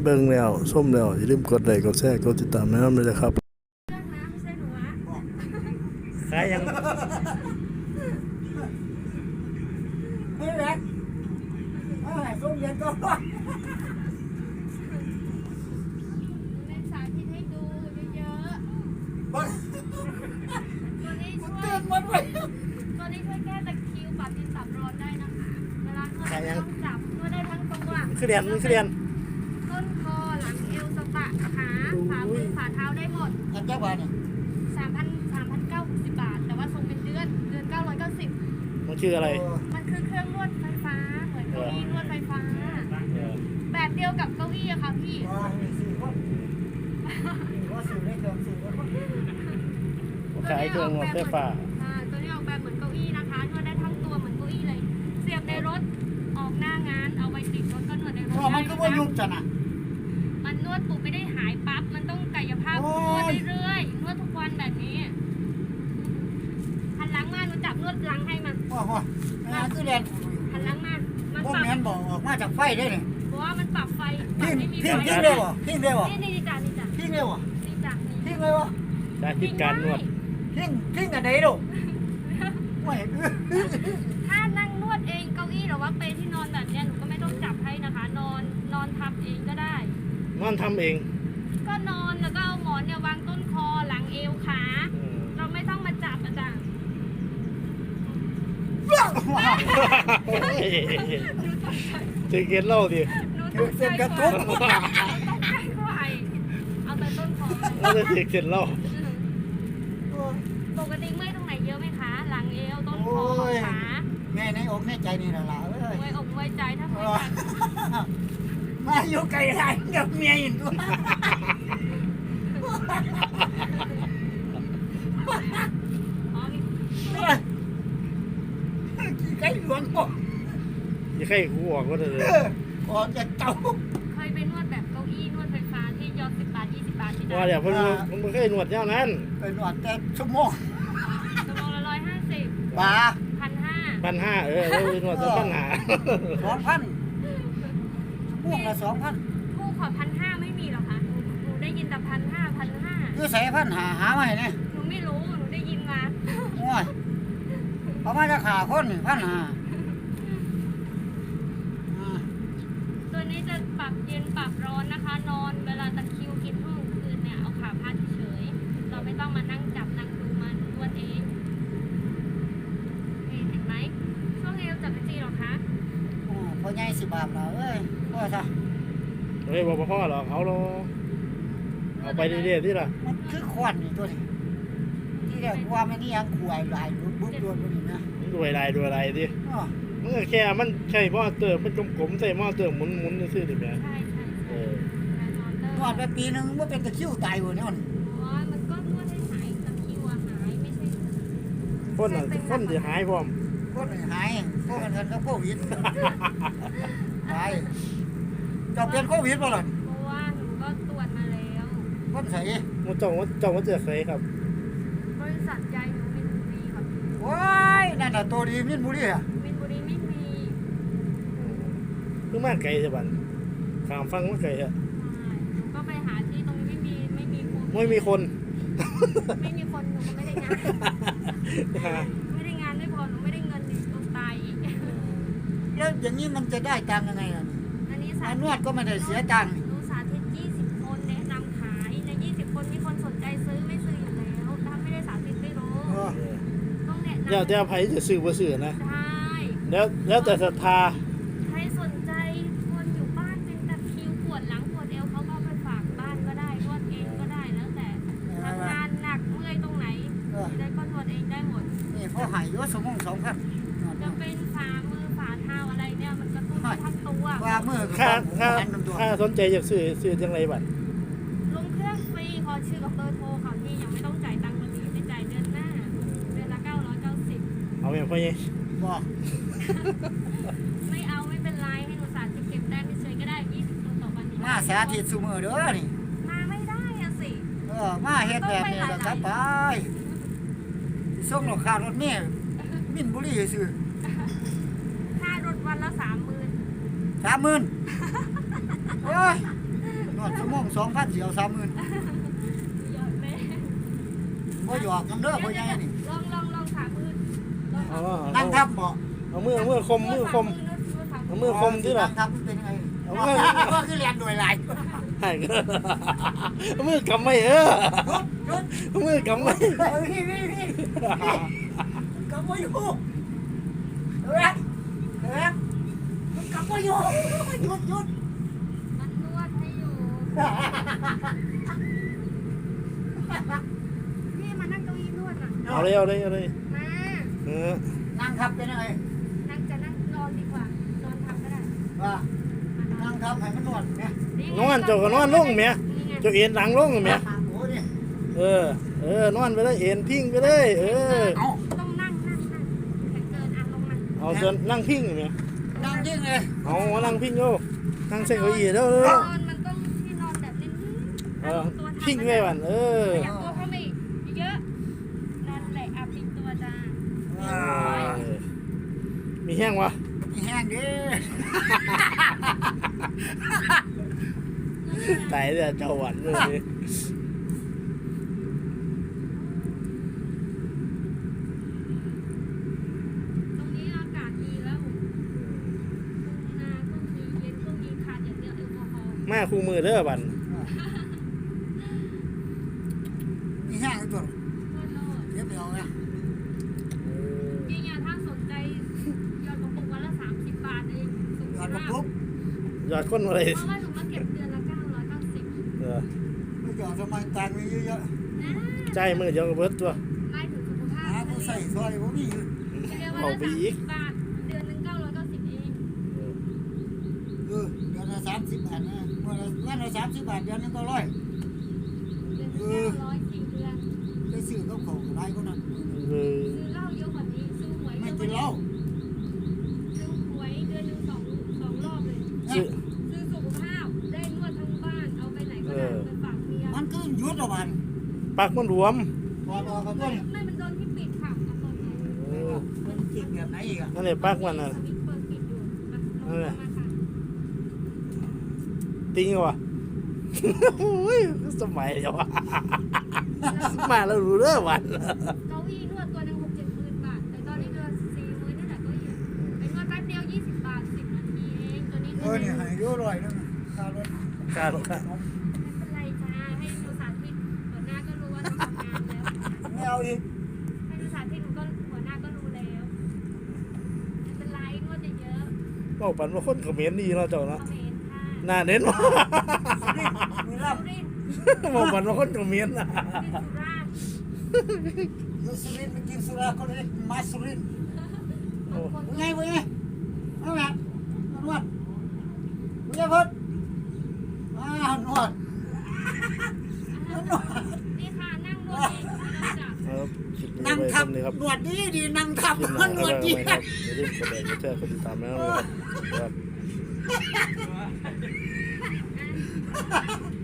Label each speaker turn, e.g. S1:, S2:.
S1: เบิ่งแล้วส้มแล้วอย่าลืมกดไลค์กดแชร์กดติดตามนะครับด้วยนะครับขายยัง
S2: นี่แหละส้มเย็นก็
S3: เล่นสาธิตให้ดูเยอะๆตัวนี้ช่วยตัวนี้ช่วยแก้ตะคริวปรับดินปรับร้อนได้นะคะเวลานวดต้องจับนวดได้ทั้งตัว
S1: คือเรียน
S3: ต้นคอหลังเอวสะบักขาฝ่ามือฝ่าเท้าได้หมด
S2: อันเจ้าบ้านนี่
S3: 3,960 บาทแต่ว่าส่งเป็นเดือน990
S1: มันคืออะไร
S3: มันคือเครื่องนวดไฟฟ้าเหมือนเก้าอี้นวดไฟฟ้าแบบเดียวกับเก้าอี้อะค่ะพี่
S1: ขายเครื่องนวดไฟฟ้า
S3: ตัวนี้ออกแบบเหมือนเก้าอี้นะคะนวดได้ทั้งตัวเหมือนเก้าอี้เลยเสียบในรถออกหน้างานเอาไว้ติดรถก็นวดในรถได้
S2: มันก็ว่ายุบจ้ะนะ
S3: มันนวดปุ๊บไม่ได้หายปั๊บมันต้องกายภาพนวดเรื่อยๆนวดทุกวันแบบนี้หันหลังมาหนูจับนวดหลังให้มัน
S2: งานคือเรียน
S3: หันหลังมา
S2: พวกแมนบอกออกมาจากไฟได้เนี่ย
S3: เพราะว่ามันปรับไฟ
S2: ทิ้งเร็วทิ้งเร็ว
S3: นี่จ้ะ
S2: ทิ้งเร็ว
S3: นี่จ้ะ
S2: ทิ้งเลยวะ
S1: สาธิตการนวด
S2: ทิ้งอันไหนดูไม่
S3: ถ้านั่งนวดเองเก้าอี้หรือว่าเปลที่นอนแบบนี้หนูก็ไม่ต้องจับให้นะคะนอนทำเองก็ได้
S1: นอนทำเอง
S3: ก็นอนแล้วก็เอาหมอนเนี่ยวางต้นคอหลังเอวขาเราไม่ต้องมาจับอาจารย์
S1: จะเก็ตเล่าดิ
S2: เส้นกระทุก
S3: ต้องใกล้กว่าเอาแต่ต้นคอ
S1: แล้วจะเก็ตเล่า
S3: ปกติเมื่อยตรงไหนเยอะไหมคะหลังเอวต้นคอขา
S2: แม่ในอกในใจนี่แหละล่ะเอ้ย
S3: เมื่อยอกเมื่อยใจถ้าเมื่อย
S2: มาอยู่ไกลไรกับเมียอีกตัวไก่หลวงป่ะ
S1: ยังไข่กูออกก็ได้เลย
S2: ออกจากเตา
S3: เคยไปนวดแบบเก้าอี้นวดไฟฟ้าที่ยอด10 บาท20 บาทที่ได้
S1: ว่าเดี๋ยวเพิ่งเคยนวดเท่านั้น
S2: ไปนวดแต่ชั่วโมง
S3: ละ150
S2: บาท
S1: 1,500เลยนวดจะ
S2: 2,000พวกละ2,000
S3: คู่ขอ1,500ไม่มีหรอคะหนูได้ยินแต่1,500
S2: คือใส่1,500หามาให้เนี่ย
S3: หนูไม่รู้หนูได้ยินมา
S2: โอ้ยเขามาจะขาคน1,500
S3: ตัวนี้จะปรับเย็นปรับร้อนนะคะนอนเวลาตะคริวกินห้องคืนเนี่ยเอาขาพาดเฉยเราไม่ต้องมานั่งจับนั่งดูมันนวดเองเห็นไหมช่วงเอวจับไปจีหรอคะ
S2: พอใหญ่10 บาทแล้วเอ้ยพ่อซะ
S1: เฮ้ยบอกพ่อหรอเอาไปเรื่อยๆที่ละ
S2: มันคือควันนี่ตัวนี้ที่เรียกว่ามันนี่ยังขวายลายบุ๊บตัวนี้นะ
S1: ดูอะไรดิมันแค่มันใช่หม้อเติมมันกลมๆใส่หม้อเติมหมุนซื่อดิแม่
S3: ใช่
S2: นวดไปปีนึงว่าเป็นตะคิวตายหัวเนี่ย
S3: มันก็นวดให้หายตะคิวหายไม่ใช่
S1: คนจะหายพร้อม
S2: คนหายพวกมันก็โควิดตายจะเป็นโควิดป่ะล่ะ
S3: เพราะว่าหนูก็ตรวจมาแล้ว
S2: คนใส่
S1: มันจ้องว่าเจอใครครับ
S3: บริษัทใหญ่หนูมินบุรีครับ
S2: ว้ายนั่นน่ะตัวดีมินบุรีอ่ะ
S3: มินบุรีไม่มี
S1: คือมาไกลใช่ป่ะข้ามฟังมาไกลฮะ
S3: ก็ไปหาที่ตรงไม่มีคน
S1: ไม่มีคน
S3: หนูก็ไม่ได้งานไม่พอหนูไม่ได้เงินหนูตายอีก
S2: แล้วอย่างนี้มันจะได้ตังค์ยังไงล่ะ
S3: อันนี้
S2: นวดก็ไม่ได้เสียตังค์
S3: หนูสาธิต20 คนแนะนำขายใน20 คนมีคนสนใจซื้อไม่ซื้ออยู่แล้วถ้าไม่ได้สาธิตไม่รู้ต้องแนะนำ
S1: เดี๋ยวใครจะซื้อบ่ซื้อนะ
S3: ใช่
S1: แล้วแต่ศรัทธา
S3: ใครสนใจคนอยู่บ้านเป็นตะคริวปวดหลังปวดเอวเขาก็ไปฝากบ้านก็ได้นวดเองก็ได้แล้วแต่ทำงานหนักเมื่อยตรงไหนได้ก็นวดเองได้หมด
S2: นี่พอหายยศสมอง2,000
S3: จะเป็นฝ่ามือฝ่าเท้าอะไรเนี่ยมันกระตุ้นทั้งตัว
S2: ฝ่ามือ
S1: ค่าสนใจอยากซื้อจังไรบัด
S3: ลงเครื่องฟรีขอชื่อกับเบอร์โทรเขาที่ยังไม่ต้องจ่ายตังค์วันนี้จะจ่ายเดือนหน้าเดือนละ990
S1: เอาอย่างพ่อเนี่ย
S2: บอก
S3: ไม่เอาไม่เป็นไรให้หนูสาธิตเก็บแต้มเฉยก็ได้20 คนต่อวัน
S2: มาสาธิตซูมือเด้อนี่
S3: มาไม่ได้อะสิ
S2: มาเฮ็ดแบบนี้แหละครับไปส่งราคารถนี่มินบุรีซื้อ
S3: ค่ารถวันละ30,000
S2: โอ้ยวดชั่วโมง2,000เสียว30,000
S3: หยอดแม่
S2: บ่หยอกกันเด้อพ่อใหญ่นี่
S3: ลองขามือลอง
S1: เอา
S3: ขา
S1: ว่า
S2: นั่งทับบ่
S1: เอามือคมเอามือคมที่ล่ะ
S2: นั่งทับมันเป็นยังไง
S1: เอามือ
S2: ก็คือเรียนโดยหลาย
S1: ให้เอามือกำไม่
S2: หยุด
S1: เอามือกำไม่
S2: นี่กำบ่อยู่เฮ้ยมันกำบ่อยู่หยุด
S3: มันนวดให้อยู่พี่มานั่งเก้าอี้นวดอ่ะ
S1: เอาเลย
S3: มา
S2: นั่งทับเป็นยังไง
S3: นั่งจะนั่งนอนดีกว่านอนทำก็ได้
S2: ว่านั่งทับให้มันนวดเนี่ย
S1: นอนเจ้าก็นอนลงแม่เจ้าเอ็นหลังลงแม่
S2: โอ้นี่
S1: นอนไปเลยเอ็นพิงไปเลย
S2: เอา
S3: ต้องนั่งแต่เกินลงมา
S1: เอาส่วนนั่งพิงแม่
S2: นั่งยิ่งเลย
S1: เอามานั่งพิงโยนั่งเส้นเก้าอี้เด้อน
S3: อนมันต้องที่นอนแบบนิ่ง
S1: พิงไว้บัน
S3: อยากตัวเขาไม่เยอะนั่นแหละอาพิงตัวจ้า
S1: มีแห้งวะ
S2: มีแห้งดิ
S1: ตายเลยเจ้าหวันเลย
S3: ตรงนี้อากาศดีแล้วทุ่งนาก็มีเย็นก็มีขาดอย่างเดียวแอลกอฮอล์
S1: แม่คู่มือเด้อบัน
S2: มีแห้งตัว
S3: โคตรโลด
S2: เรียบร้อยนะ
S3: จริงๆถ้าสนใจยอดกระปุกวันละ30 บาทเองสุ
S2: หยอดกระ
S3: ภาพ
S2: ปุก
S1: ยอดคนอะไร
S3: เพราะว่าหนูมาเก็บเดือนละ990
S2: ไม่หยอดทำไมตังค์มีเยอะ
S3: นะ
S1: ใจมือเดียวกับเบิดตัว
S3: ไม่ถึงสุขภา
S2: ๆหา
S3: พ
S2: ผู้ใส่ซอยผมมีอยู่
S1: เอาไปอีก
S3: บาทเดือนหนึง990เอง
S2: เดือนละ30 บาทนะวันละ30 บาทเดือนนึงก็ร้อย
S3: เดือนหนึง900 4 เดือน
S2: ไปซื้อกับเขาไรก็นั่น
S3: ซื้อเหล้าเยอะกว่านี้ซื้อหวย
S2: ไม่
S3: เยอะก
S2: กิ
S3: ว่าน
S2: เหล้า
S3: ซื้อหวยเดือนหนึง2 รอบเลย
S1: ซื้อ
S3: ซื้อสุขภาพได้นวดทั้งบ้านเอาไปไหนก็ได้ไปฝากเมีย
S2: มันก็ยุดละวัน
S1: ปักมันรวม
S2: พอกับต้น
S3: ไม่มันโดนที่ปิดค่ะเอาเปิดไง
S2: มันจิกแบบไหนอีกอ่ะ
S1: นั่นแหละปักมันน่ะ
S3: สวิตช์เปิดปิดอยู่มาลงมาค่ะ
S1: ติงวะสมัยเดียวมาแล้วรู้เด้อวัน
S3: เก้าอี้นวดตัวหนึง6-7 หมื่นบาทแต่ตอนนี้เดือน40,000นี่แหละเก็อยู่เป็นนวดแป๊บเดียว20 บาท10 นาทีเองตัวนี้
S2: เนี่ยให้ยุร้อยนึงค่ารถ
S1: การ
S3: ไม่เป็นไรจ้าให้ดูสาธิตหัวหน้าก็รู้ว่าเราทำงานแล้ว
S2: ไม่เอาอีก
S3: ให้ดูสาธิตหนูก็หัวหน้าก็รู้แล้วไม่เป็นไรนวดเยอะ
S1: บอกปันว่าคนเขมรดีเนาะเจ้า
S3: ๆ
S1: เนาะ
S3: เขาเห็นค่ะ
S1: น่าเน้นว่า
S2: มีรับ
S3: สุรินทร์
S1: บอกปันว่าคนเขมรน่ะ
S3: สุราษฎร์
S2: สุรินไปกินสุราเขาเลยมาสุริน
S3: บางคน
S2: ไงเอาละนวดมึงจะพูดนวด
S3: นี่ค่ะนั่งนวดเองไม่ต้องจับ
S1: ครับคลิปนี้
S2: นั่ง
S1: ไว้
S2: ทับ
S1: เท่านี้ครับ
S2: นวดดีนั่งทับ
S1: คลิปหน้าน
S2: วด
S1: ก็
S2: ดี
S1: ไว้ครับอย่าลืมกดไลค์กดแชร์กดติดตามนะครับ